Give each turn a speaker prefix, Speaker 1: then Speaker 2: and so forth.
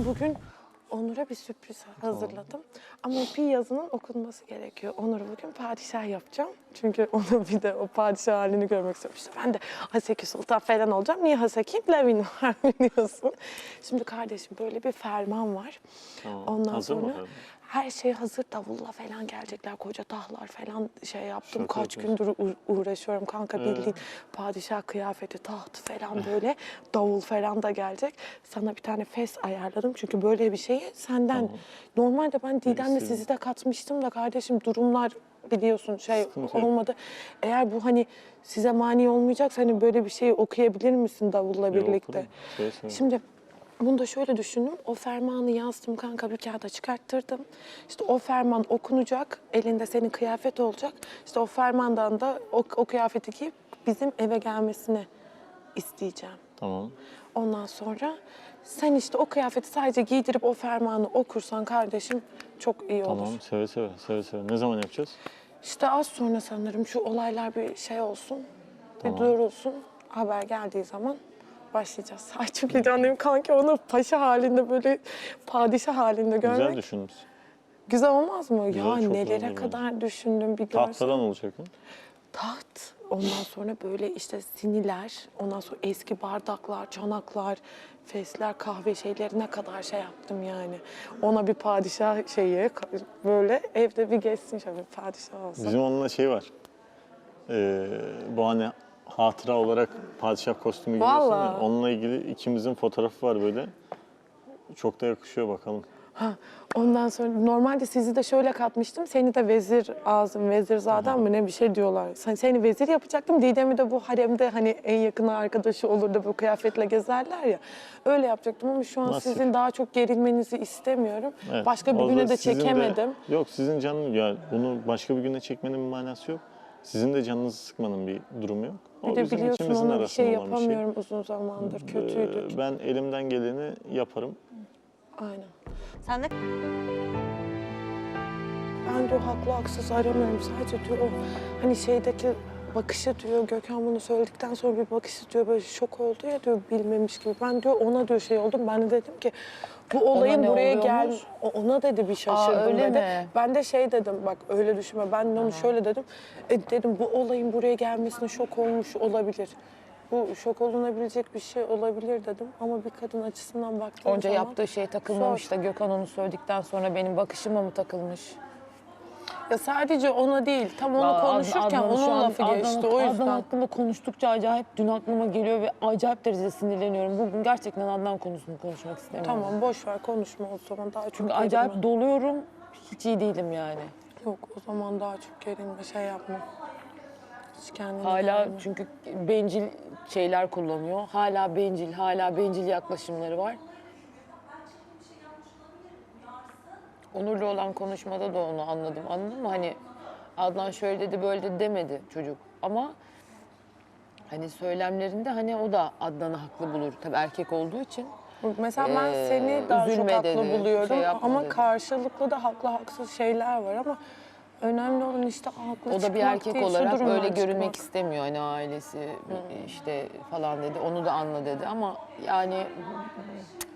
Speaker 1: bugün Onur'a bir sürpriz hazırladım. Ama bir yazının okunması gerekiyor. Onur'u bugün padişah yapacağım. Çünkü onun bir de o padişah halini görmek istiyorum. İşte ben de Haseki Sultan falan olacağım. Niye Haseki? Levin var biliyorsun. Şimdi kardeşim böyle bir ferman var.
Speaker 2: Tamam.
Speaker 1: Ondan
Speaker 2: Hazır mı
Speaker 1: sonra
Speaker 2: efendim?
Speaker 1: her şey hazır. Davulla falan gelecekler. Koca tahlar falan şey yaptım.
Speaker 2: Şaka
Speaker 1: Kaç
Speaker 2: yapıyorsun.
Speaker 1: gündür uğraşıyorum kanka bildiğin padişah kıyafeti, taht falan böyle davul falan da gelecek. Sana bir tane fes ayarladım. Çünkü böyle bir şeyi senden
Speaker 2: Tamam.
Speaker 1: normalde ben Didem'le
Speaker 2: istedim.
Speaker 1: sizi de katmıştım da kardeşim durumlar biliyorsun şey
Speaker 2: Sıkıntı yok.
Speaker 1: olmadı. Eğer bu hani size mani olmayacaksa hani böyle bir şeyi okuyabilir misin davulla birlikte?
Speaker 2: Okurum. Seve seve.
Speaker 1: Şimdi bunu da şöyle düşündüm. O fermanı yazdım kanka bir kağıda çıkarttırdım. İşte o ferman okunacak. Elinde senin kıyafet olacak. İşte o fermandan da o kıyafeti giyip bizim eve gelmesini isteyeceğim.
Speaker 2: Tamam.
Speaker 1: Ondan sonra sen işte o kıyafeti sadece giydirip o fermanı okursan kardeşim çok iyi olur.
Speaker 2: Tamam. Seve seve. Seve seve. Ne zaman yapacağız?
Speaker 1: İşte az sonra sanırım şu olaylar bir şey olsun.
Speaker 2: Tamam.
Speaker 1: Bir durulsun. Haber geldiği zaman başlayacağız. Ay çok heyecanlıyım kanki onu paşa halinde böyle padişah halinde görmek.
Speaker 2: Güzel düşünmüşsün.
Speaker 1: Güzel olmaz mı?
Speaker 2: Güzel,
Speaker 1: Ya
Speaker 2: çok güzel
Speaker 1: nelere
Speaker 2: olur
Speaker 1: kadar düşündüm bir görsen.
Speaker 2: Tahtadan olacak mı?
Speaker 1: Taht. Ondan sonra böyle işte siniler, ondan sonra eski bardaklar, çanaklar, fesler, kahve şeylerine kadar şey yaptım yani. Ona bir padişah şeyi böyle evde bir geçsin şöyle bir padişah olsun.
Speaker 2: Bizim onunla şey var. Bu hani hatıra olarak padişah kostümü giyiyorsun ya.
Speaker 1: Vallahi.
Speaker 2: Onunla ilgili ikimizin fotoğrafı var böyle. Çok da yakışıyor bakalım.
Speaker 1: Ha, ondan sonra normalde sizi de şöyle katmıştım. Seni de vezir ağzım, vezirzaden mı ne bir şey diyorlar. Seni vezir yapacaktım. Didem'i de bu haremde hani en yakın arkadaşı olur da bu kıyafetle gezerler ya. Öyle yapacaktım ama şu an
Speaker 2: Nasip.
Speaker 1: sizin daha çok gerilmenizi istemiyorum.
Speaker 2: Evet.
Speaker 1: Başka bir
Speaker 2: O
Speaker 1: güne
Speaker 2: da
Speaker 1: de
Speaker 2: sizin
Speaker 1: çekemedim.
Speaker 2: Yok sizin canın ya bunu başka bir güne çekmenin bir manası yok. Sizin de canınızı sıkmanın bir durumu yok. O
Speaker 1: Bir de
Speaker 2: bizim
Speaker 1: biliyorsun
Speaker 2: ikimizin
Speaker 1: ona bir şey
Speaker 2: arasında olan bir şey.
Speaker 1: yapamıyorum uzun zamandır. Kötüydük.
Speaker 2: Ben elimden geleni yaparım.
Speaker 1: Aynen.
Speaker 3: Sen de
Speaker 1: Ben diyor haklı haksız aramıyorum. Sadece diyor o hani şeydeki bakışı diyor Gökhan bunu söyledikten sonra bir bakışı diyor böyle şok oldu ya diyor bilmemiş gibi. Ben diyor ona diyor şey oldum. Ben de dedim ki bu olayın
Speaker 3: ne
Speaker 1: buraya gel
Speaker 3: oluyormuş?
Speaker 1: ona dedi bir şaşırdım
Speaker 3: öyle
Speaker 1: dedi.
Speaker 3: mi?
Speaker 1: Ben de şey dedim bak öyle düşünme. Ben de onu şöyle dedim. Dedim bu olayın buraya gelmesine şok olmuş olabilir. Bu şok olunabilecek bir şey olabilir dedim. Ama bir kadın açısından baktığım
Speaker 3: onca
Speaker 1: zaman
Speaker 3: yaptığı şey takılmamış
Speaker 1: zor.
Speaker 3: da Gökhan onu söyledikten sonra benim bakışıma mı takılmış?
Speaker 1: Ya sadece ona değil. Tam onu
Speaker 3: Aa,
Speaker 1: konuşurken
Speaker 3: Adnan şu
Speaker 1: onun
Speaker 3: an-
Speaker 1: lafı geçti. O
Speaker 3: Adnan
Speaker 1: yüzden.
Speaker 3: hakkında konuştukça acayip dün aklıma geliyor ve acayip derecede sinirleniyorum. Bugün gerçekten Adnan konusunu konuşmak istemiyorum.
Speaker 1: Tamam boş ver konuşma o zaman daha çok
Speaker 3: Çünkü
Speaker 1: gerilme.
Speaker 3: acayip doluyorum. Hiç iyi değilim yani.
Speaker 1: Yok o zaman daha çok gerilme şey yapma. Hiç kendine
Speaker 3: Hala
Speaker 1: gelme.
Speaker 3: çünkü bencil şeyler kullanıyor. Hala bencil yaklaşımları var. Onur'la olan konuşmada da onu anladım. Anladın mı? Hani Adnan şöyle dedi böyle dedi demedi çocuk. Ama hani söylemlerinde hani o da Adnan'ı haklı bulur. Tabii erkek olduğu için.
Speaker 1: Mesela ben seni daha çok
Speaker 3: üzülme
Speaker 1: haklı
Speaker 3: dedi,
Speaker 1: buluyorum
Speaker 3: şey yapma
Speaker 1: ama
Speaker 3: dedi.
Speaker 1: karşılıklı da haklı haksız şeyler var ama önemli olan işte haklı
Speaker 3: O da bir
Speaker 1: çıkmak
Speaker 3: erkek
Speaker 1: değil, şu
Speaker 3: olarak
Speaker 1: durumdan
Speaker 3: öyle görünmek
Speaker 1: çıkmak.
Speaker 3: istemiyor. Hani ailesi işte falan dedi. Onu da anla dedi ama yani